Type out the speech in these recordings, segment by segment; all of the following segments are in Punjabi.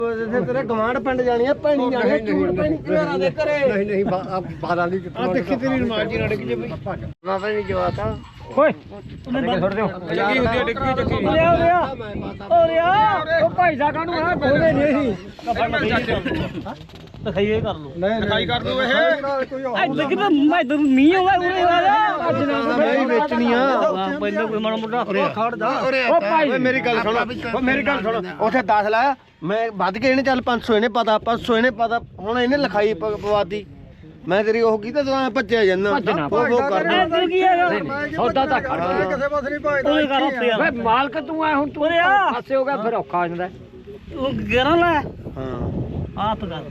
ਤੇਰੇ ਗਵਾਂਢ ਪਿੰਡ ਜਾਣੀ ਆ ਭੈਣੀ ਜਾਣੀ ਝੂੜ ਪੈਣੀ ਘਰਾਂ ਦੇ ਘਰੇ ਨਹੀਂ 12 ਦੀ ਆ ਦੇਖੀ ਤੇਰੀ ਨਮਾਜ਼ ਜੀ ਰੜ ਕੇ ਬਈ ਬਾਬਾ ਨਹੀਂ ਜਵਾਤਾ ਓਏ ਉਹਨੇ ਛੱਡ ਦਿਓ ਚੱਕੀ ਹੁੰਦੀ ਆ ਡਿੱਗੀ ਚੱਕੀ ਓ ਭਾਈ ਸਾਹਿਬ ਕਾਹਨੂੰ ਆ ਬੋਲੇ ਨਹੀਂ ਦਿਖਾਈਏ ਕਰ ਲੋ ਦਿਖਾਈ ਕਰ ਦੋ ਇਹ ਦੇਖ ਮੈਂ ਇਧਰ ਮੀਂਹ ਆਉਂਦਾ ਉਰੇ ਆ ਨਹੀਂ ਵੇਚਣੀ ਆ ਪਹਿਲਾਂ ਕੋਈ ਮਾੜਾ ਮੋਟਾ ਖੜ ਜਾ ਓ ਭਾਈ ਮੇਰੀ ਗੱਲ ਸੁਣ ਉੱਥੇ 10 ਲਾਇਆ ਮੈਂ ਵੱਧ ਕੇ ਇਹਨੇ ਚੱਲ 500 ਇਹਨੇ ਪਤਾ 500 ਇਹਨੇ ਪਤਾ ਹੁਣ ਇਹਨੇ ਲਿਖਾਈ ਪਵਾਤੀ ਮੈਂ ਤੇਰੀ ਉਹ ਕੀਤਾ ਤੂੰ ਭੱਜਿਆ ਜਾਂਦਾ ਉਹ ਕਰ ਕੀ ਹੈਗਾ ਸੌਦਾ ਤਾਂ ਖੜ ਕਿਸੇ ਪਾਸੇ ਨਹੀਂ ਭਾਜਦਾ ਤੂੰ ਕਰ ਉੱਤੇ ਓਏ ਮਾਲਕ ਤੂੰ ਆ ਹੁਣ ਤੂੰ ਪਾਸੇ ਹੋ ਗਿਆ ਫਿਰ ਔਖਾ ਹੋ ਜਾਂਦਾ ਉਹ 11 ਲੈ ਹਾਂ ਆਪ ਕਰ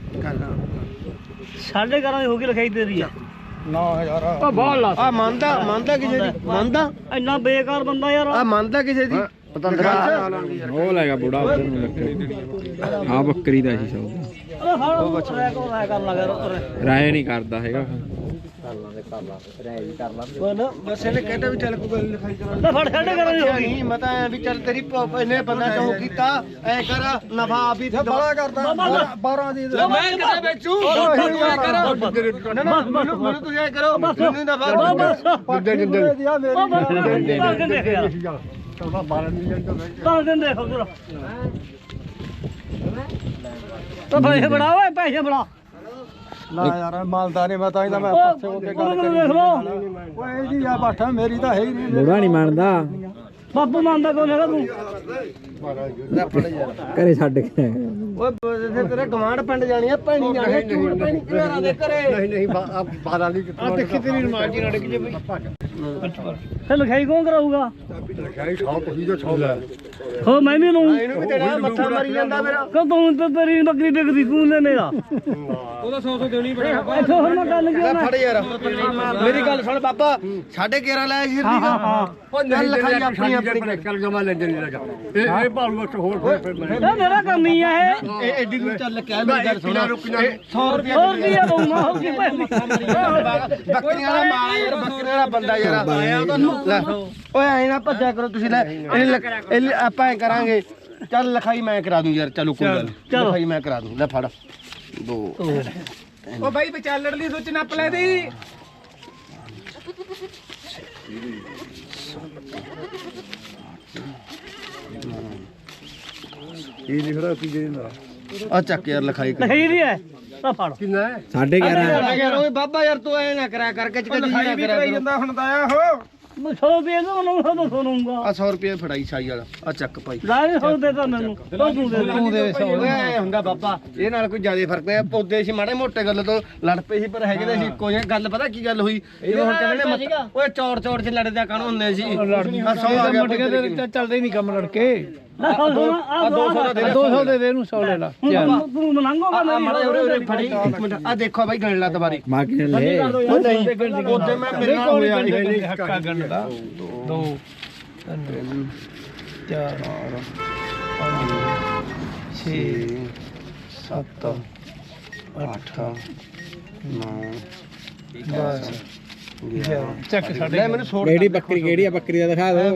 11.5 ਦੀ ਹੋ ਗਈ ਲਿਖਾਈ ਤੇਰੀ ਆ 9000 ਉਹ ਬਹੁਤ ਲਾ ਆ ਮੰਨਦਾ ਕਿਸੇ ਦੀ ਮੰਨਦਾ ਇੰਨਾ ਬੇਕਾਰ ਬੰਦਾ ਯਾਰ ਆ ਮੰਨਦਾ ਕਿਸੇ ਦੀ ਉਹ ਲੈਗਾ ਬੁੜਾ ਉਧਰ ਨੂੰ ਲੱਗੇ ਆ ਬੱਕਰੀ ਦਾ ਸੀ ਸੌਦਾ ਉਹ ਬੱਚਾ ਕਰ ਲਗਾ ਰਾਏ ਨਹੀਂ ਕਰਦਾ ਹੈਗਾ ਕਰ ਲਾਂਗੇ ਰਾਏ ਵੀ ਕਰ ਲਾਂਗੇ ਉਹ ਨਾ ਬਸ ਇਹਨੇ ਕਹਿੰਦਾ ਵੀ ਚੱਲ ਕੋਈ ਗੱਲ ਲਿਖਾਈ ਕਰਾ ਫੜ ਛੱਡ ਕਰ ਨਹੀਂ ਮੈਂ ਤਾਂ ਵੀ ਚੱਲ ਤੇਰੀ ਇਹਨੇ ਬੰਦਾ ਚੋਂ ਕੀਤਾ ਐ ਕਰ ਨਫਾ ਆਪ ਹੀ ਬੜਾ ਕਰਦਾ 12 ਦੀ ਮੈਂ ਕਿੱਥੇ ਵੇਚੂ ਤੂੰ ਐ ਕਰ ਨਾ ਮੈਨੂੰ ਤੂੰ ਐ ਕਰੋ ਮੈਨੂੰ ਨਫਾ ਜਿੰਦੇ ਮੇਰੇ 12 ਮਿਲੀਅਨ ਤੋਂ ਦਿਨ ਦੇਖੋ ਪੂਰਾ ਤਾਂ ਪੈਸੇ ਬੜਾ ਓਏ ਪੈਸੇ ਬੜਾ ਨਾ ਯਾਰ ਮਾਲਦਾਰ ਨੇ ਮੈਂ ਤਾਂ ਇਹਦਾ ਮੈਂ ਪਾਸੇ ਹੋ ਕੇ ਗੱਲ ਕਰੀ ਓਏ ਜੀ ਆ ਬਾਠਾ ਮੇਰੀ ਤਾਂ ਹੈ ਹੀ ਨਹੀਂ ਬੁੜਾ ਨਹੀਂ ਮੰਨਦਾ ਬਾਪੂ ਮੰਨਦਾ ਕੋਲ ਹੈਗਾ ਤੂੰ ਘਰੇ ਛੱਡ ਕੇ ਓਏ ਤੇਰੇ ਗਵਾਂਢ ਪਿੰਡ ਜਾਣੀ ਆ ਭੈਣੀ ਜਾਣੀ ਝੂੜ ਪੈਣੀ ਘਰਾਂ ਦੇ ਘਰੇ ਨਹੀਂ 12 ਦੀ ਆ ਦੇਖੀ ਤੇਰੀ ਨਮਾਜ਼ ਜੀ ਰੜ ਕੇ ਬਈ ਫਿਰ ਲਿਖਾਈ ਕੌਣ ਕਰਾਊਗਾ ਲਿਖਾਈ 100 ਤੁਸੀਂ ਜੋ 100 ਲੈ ਹੋ ਮੈਂ ਵੀ ਨੂੰ ਇਹਨੂੰ ਵੀ ਤੇਰਾ ਮੱਥਾ ਮਾਰੀ ਜਾਂਦਾ ਮੇਰਾ ਕਦੋਂ ਤੂੰ ਤੇਰੀ ਬੱਕਰੀ ਡਿੱਗਦੀ ਤੂੰ ਲੈ ਮੇਰਾ ਉਹਦਾ 100 ਦੇਣੀ ਪੜੇਗਾ ਇੱਥੋਂ ਹੁਣ ਮੈਂ ਗੱਲ ਕਿਉਂ ਨਾ ਫੜ ਯਾਰ ਮੇਰੀ ਗੱਲ ਸੁਣ ਬਾਬਾ 11.5 ਲਾਇਆ ਸੀ ਉਹ ਨਹੀਂ ਲਿਖਾਈ ਆਪਣੀ ਚੱਲ ਜਮਾ ਲੈ ਜਣੀ ਲਗਾ ਇਹ ਭਾਲੂ ਬਸ ਹੋਰ ਫਿਰ ਇਹ ਮੇਰਾ ਕੰਮ ਹੀ ਆ ਇਹ ਐਡੀ ਦੂਰ ਚੱਲ ਕੇ ਮੇਰੀ ਗੱਲ ਸੁਣ 100 ਰੁਪਏ ਦਊਂਗਾ ਹੋ ਗਈ ਬੱਕਰੀਆਂ ਦਾ ਮਾਲ ਯਾਰ ਬੱਕਰੀਆਂ ਦਾ ਬੰਦਾ ਯਾਰ ਆਇਆ ਉਹਦਾ ਓਏ ਐ ਨਾ ਭੱਜਿਆ ਕਰੋ ਤੁਸੀਂ ਲੈ ਇਹ ਆਪਾਂ ਐ ਕਰਾਂਗੇ ਚੱਲ ਲਿਖਾਈ ਮੈਂ ਕਰਾ ਦੂੰ ਯਾਰ ਚਲੋ ਕੋਈ ਗੱਲ ਲਿਖਾਈ ਮੈਂ ਕਰਾ ਦੂੰ ਲੈ ਫੜ 2 ਓ ਬਾਈ ਵਿਚਾਲੜ ਲਈ ਸੋਚ ਨੱਪ ਲੈ ਦੀ ਇਹ ਲਿਖ ਰਿਹਾ ਤੀਜੇ ਦਾ ਆ ਚੱਕ ਯਾਰ ਲਿਖਾਈ ਨਹੀਂ ਹੈ ਤਾਂ ਫੜ ਕਿੰਨਾ ਹੈ 11.5 ਓਏ ਬਾਬਾ ਯਾਰ ਤੂੰ ਐ ਨਾ ਕਰਿਆ ਕਰਕੇ ਲਿਖਾਈ ਵੀ ਕਰਾਈ ਜਾਂਦਾ ਹੁਣ ਤਾਂ ਆ ਹੋ 100 ਰੁਪਏ ਨੂੰ ਸੁਣੂਗਾ ਆ 100 ਰੁਪਏ ਫੜਾਈ ਛਾਈ ਵਾਲਾ ਆ ਚੱਕ ਭਾਈ ਲੈ 100 ਦੇ ਤਾਂ ਮੈਨੂੰ ਤੂੰ ਦੇ 100 ਓਏ ਹੁੰਦਾ ਬਾਬਾ ਇਹ ਨਾਲ ਕੋਈ ਜ਼ਿਆਦਾ ਫਰਕ ਪਿਆ ਪੌਦੇ ਸੀ ਮਾੜੇ ਮੋਟੇ ਗੱਲ ਤੋਂ ਲੜ ਪਏ ਸੀ ਪਰ ਹੈਗੇ ਤਾਂ ਸੀ ਇੱਕੋ ਜਿਹੇ ਗੱਲ ਪਤਾ ਕੀ ਗੱਲ ਹੋਈ ਇਹ ਹੁਣ ਕਹਿੰਦੇ ਓਏ ਚੌੜ ਚ ਲੜਦੇ ਕਾਹਨੂੰ ਹੁੰਦੇ ਸੀ 100 ਆ ਗਿਆ ਚੱਲਦੇ ਹੀ ਨਹੀਂ ਕੰਮ ਲੜਕੇ 200 ਦੇ ਦੇ ਇਹਨੂੰ 100 ਲੈ ਲਾ ਤੂੰ ਮੰਗੋਗਾ ਮੇਰੀ ਫੜੀ ਆ ਦੇਖੋ ਬਾਈ ਗਣ ਲਾ ਦੁਬਾਰੀ ਮਾਂ ਕਿ ਲੈ ਉਹ ਨਹੀਂ ਉਹਦੇ ਮੈਂ ਮੇਰੇ ਕੋਲ ਨਹੀਂ ਹੱਕਾ ਗਣ ਦਾ 2 3 4 5 6 7 8 9 10 ਚੱਕ ਸਾਡੇ ਲੈ ਮੈਨੂੰ ਛੋੜ ਕਿਹੜੀ ਬੱਕਰੀ ਕਿਹੜੀ ਆ ਬੱਕਰੀ ਦਾ ਦਿਖਾ ਦੋ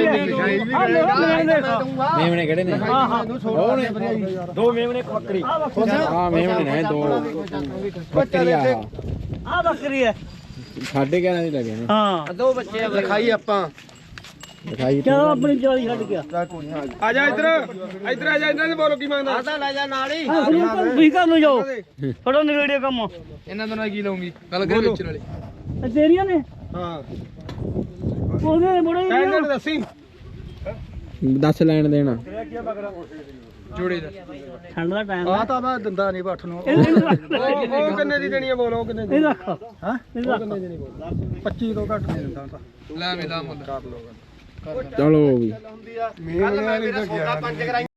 ਮੇਮਣੇ ਕਿਹੜੇ ਨੇ ਦੋ ਮੇਮਣੇ ਇੱਕ ਬੱਕਰੀ ਹਾਂ ਮੇਮਣੇ ਨੇ 2 ਬੱਕਰੀ ਆ ਬੱਕਰੀ ਹੈ 11.5 ਦੀ ਲੱਗੇ ਨੇ ਹਾਂ 2 ਬੱਚੇ ਆ ਲਿਖਾਈ ਆਪਾਂ ਲਿਖਾਈ ਕਿਉਂ ਆਪਣੀ ਚੋਰੀ ਛੱਡ ਗਿਆ ਆ ਜਾ ਇੱਧਰ ਆ ਜਾ ਇਹਨਾਂ ਨੇ ਬੋਲੋ ਕੀ ਮੰਗਦਾ ਆਦਾ ਲੈ ਜਾ ਨਾਲ ਹੀ ਤੁਸੀਂ ਘਰ ਨੂੰ ਜਾਓ ਫੜੋ ਨਵੇੜਿਆ ਕੰਮ ਇਹਨਾਂ ਦੋਨਾਂ ਕੀ ਲਾਉਂਗੀ ਗੱਲ ਕਰੇ ਵੇਚਣ ਵਾਲੀ ਤੇਰੀਆਂ ਨੇ ਹਾਂ ਉਹਦੇ ਬੜੇ ਇਹਨਾਂ ਨੂੰ ਦੱਸੀ 10 ਲੈਣ ਦੇਣਾ ਜੋੜੇ ਦਾ ਠੰਡ ਦਾ ਟਾਈਮ ਆ ਤਾਂ ਮੈਂ ਦਿੰਦਾ ਨਹੀਂ ਬੱਠ ਨੂੰ ਉਹ ਕਿੰਨੇ ਦੀ ਦੇਣੀ ਆ ਬੋਲੋ ਕਿੰਨੇ ਦੀ ਰੱਖ ਹਾਂ ਕਿੰਨੇ ਦੀ ਨਹੀਂ ਬੋਲ 25 ਤੋਂ ਘੱਟ ਨਹੀਂ ਦਿੰਦਾ ਤਾਂ ਲੈ ਮੇਲਾ ਮੁੱਲ ਕਰ ਲੋ ਚਲੋ ਵੀ ਕੱਲ ਮੈਂ ਮੇਰਾ ਸੌਦਾ 5 ਕਰਾਈ